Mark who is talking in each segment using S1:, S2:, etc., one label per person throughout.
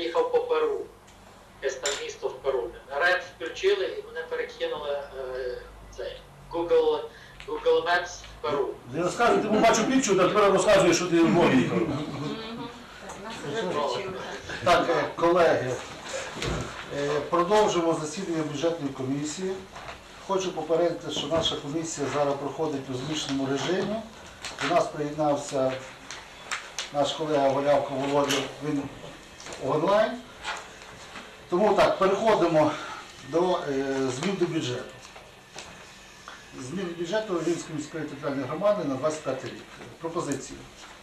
S1: їхав по Перу. Якесь там місто в Перу. Реп включили і мене перекинули цей Google Maps в Перу.
S2: Не розказуй, ти бачу пічу, а тепер розказуєш, що ти в Львові їхав.
S3: Так, колеги, продовжимо засідання бюджетної комісії. Хочу попередити, що наша комісія зараз проходить у змішаному режимі. До нас приєднався наш колега Валявко Володя, він онлайн. Тому так, переходимо до змін до бюджету. Зміни бюджету Рівненської міської територіальної громади на 25 рік. Пропозиції.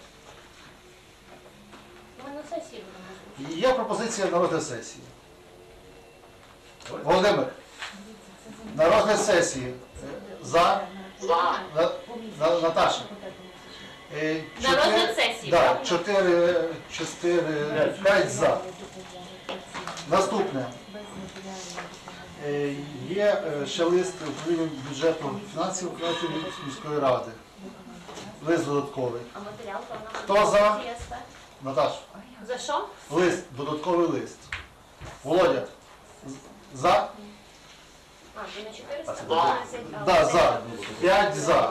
S4: Ми на сесії будемо.
S3: Є пропозиція на розгляд сесії. Володимир, на розгляд сесії. За. Наташа.
S4: На розгляд сесії,
S3: Так,
S4: правильно?
S3: 5 за. Наступне. Є ще лист управління бюджету фінансів Української міської ради. Лист додатковий.
S4: А матеріал то нам
S3: Хто за?
S4: ЄСП?
S3: Наташа.
S4: За що?
S3: Лист, додатковий лист. Володя. За?
S4: А, ви на 400?
S3: Да, за. 5 за.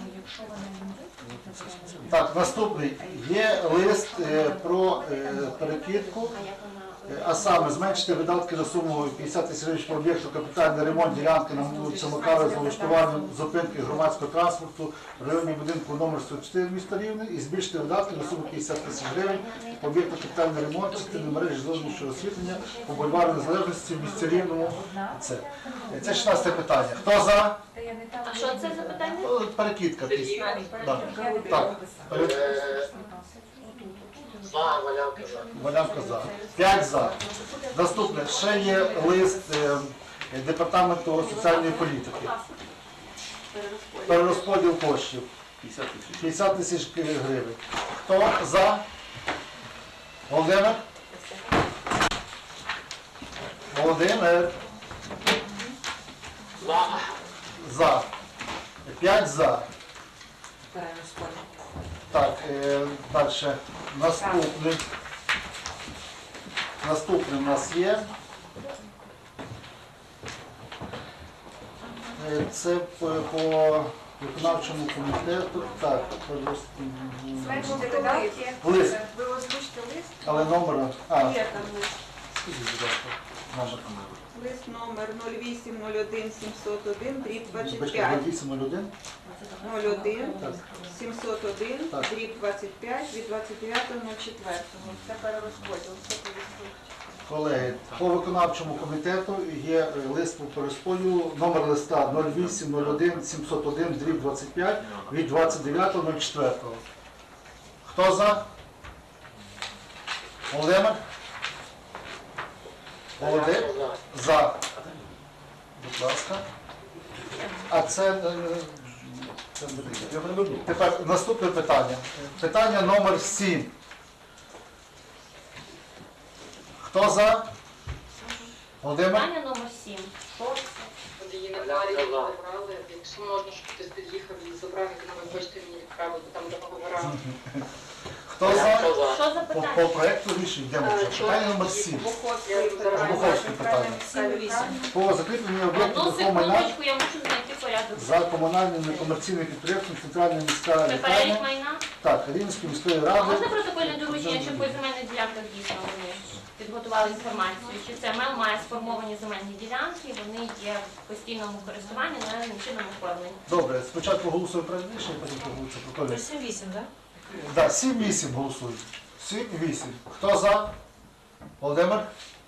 S3: Так, наступний. Є лист про перекидку, а саме зменшити видатки на суму 50 тисяч гривень по об'єкту капітальний ремонт ділянки на вулиці Макарова з влаштуванням зупинки громадського транспорту в районі будинку номер 104 міста Рівне і збільшити видатки на суму 50 тисяч гривень по об'єкту капітальний ремонт частини мережі зовнішнього освітлення по бульвару Незалежності в місті Рівному. Це 16 питання. Хто за?
S4: А що це за питання?
S3: Перекидка. Так.
S1: За, Валявка за.
S3: Валявка за. 5 за. Наступне. Ще є лист Департаменту соціальної політики. Перерозподіл коштів. 50 тисяч гривень. Хто за? Володимир? Володимир?
S1: За.
S3: За. 5 за. Так, далі. Наступний у нас є. Це по виконавчому комітету. Так,
S5: Зменшити видатки.
S3: лист,
S5: Ви озвучите лист?
S3: але номер.
S5: Є там лист.
S3: Скажіть, будь ласка, номер.
S5: Лист номер 0801 701 дріб
S3: Бачите,
S5: 25.
S3: 801.
S5: 01
S3: Так.
S5: 701
S3: Так.
S5: дріб 25 від 29.04. Це перерозподіл. Все повістково.
S3: Колеги, по виконавчому комітету є лист по перерозподілу, номер листа 0801 701 дріб 25 від 29.04. Хто за? Володимир? Володимир? За. Будь ласка. А це тепер наступне питання. Питання номер 7. Хто за? Володимир?
S4: Питання номер 7. Що це?
S6: От її на парі забрали, якщо можна, щоб хтось під'їхав і забрав, як на ви хочете мені відправити, там договора.
S3: Хто за?
S4: Що за
S3: По
S4: питання?
S3: проекту рішення йдемо вже. Питання номер 7.
S5: Буховський
S3: Буховське питання.
S5: 7-8.
S3: По закріпленню об'єктів
S4: Одну
S3: рухомого майна
S4: секундочку, я мушу знайти порядок.
S3: за комунальним некомерційним підприємством Центральна міська
S4: Це перелік
S3: лікарня.
S4: майна?
S3: Так, Рівненської міської
S4: А
S3: ради.
S4: можна протокольне доручення, щоб по земельних ділянках дійсно вони підготували інформацію, що це МЕЛ має сформовані земельні ділянки, вони є в постійному користуванні, належним чином оформлені.
S3: Добре, спочатку голосуємо проект рішення, потім голосується протокольне.
S7: 7-8, так?
S3: Так, 7-8 голосують. 7-8. Хто за? Володимир?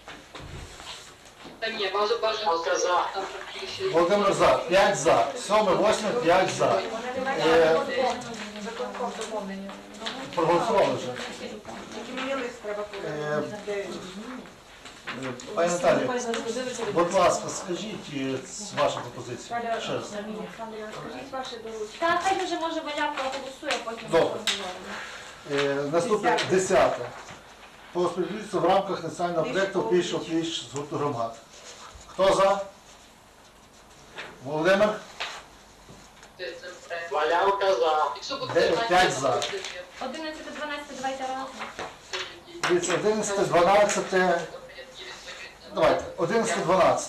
S6: Та ні, бажано
S1: За.
S3: Володимир за. 5 за. 7-8, 5 за.
S7: Виконком доповнення.
S3: Проголосували вже.
S5: Тільки мені лист треба повернути.
S3: Пані Наталі, будь ласка, скажіть вашу пропозицію. Ще раз.
S5: Скажіть ваше доручення.
S4: Та хай вже може Валявка голосує, а потім
S3: Добре.
S4: поговоримо.
S3: Наступне 10. По співробітництву в рамках національного проєкту «Пліч з гурту громад». Хто за? Володимир?
S1: Валявка за.
S6: Якщо буде
S3: 9-5 за.
S4: 11-12 давайте разом.
S3: Дивіться, 11, 12, давайте, 11, 12.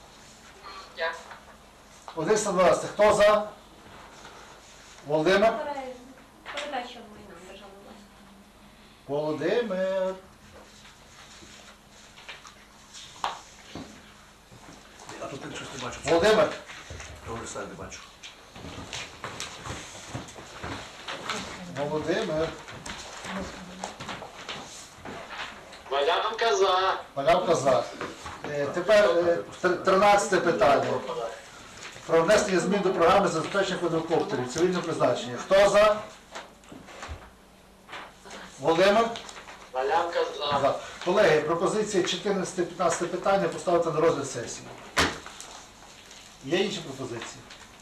S3: 11, 12. Хто за? Володимир?
S4: Передача майна державної власності.
S3: Володимир.
S2: А тут я щось не бачу.
S3: Володимир.
S2: Того листа не бачу.
S3: Володимир.
S1: Валянка за.
S3: Малявка за. Тепер 13 питання. Про внесення змін до програми забезпечення квадрокоптерів цивільного призначення. Хто за? Володимир?
S1: Валянка за.
S3: За. Колеги, пропозиції 14-15 питання поставити на розгляд сесії. Є інші пропозиції?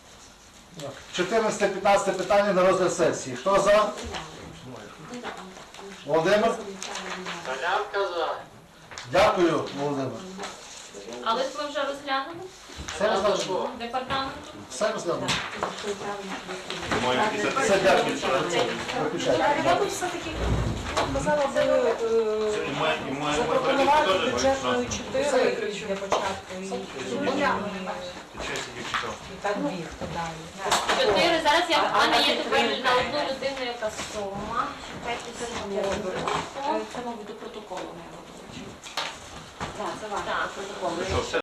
S3: 14-15 питання на розгляд сесії. Хто за? Володимир?
S1: Валянка за.
S3: Дякую, Володимир.
S4: Але ж ми вже розглянули
S3: Все розглянули?
S4: департаменту.
S3: Все розглянули?
S7: Моє
S3: Все, дякую. Виключайте.
S8: Я би все-таки казала би запропонувати бюджетною 4 для початку і так біг подалі.
S4: 4. Зараз я в мене є тепер на одну людину яка сума. Чекайте секунду.
S8: Це, мабуть, до протоколу не робочі. Так, це ваше
S4: Так.
S8: протокол.
S7: Що, все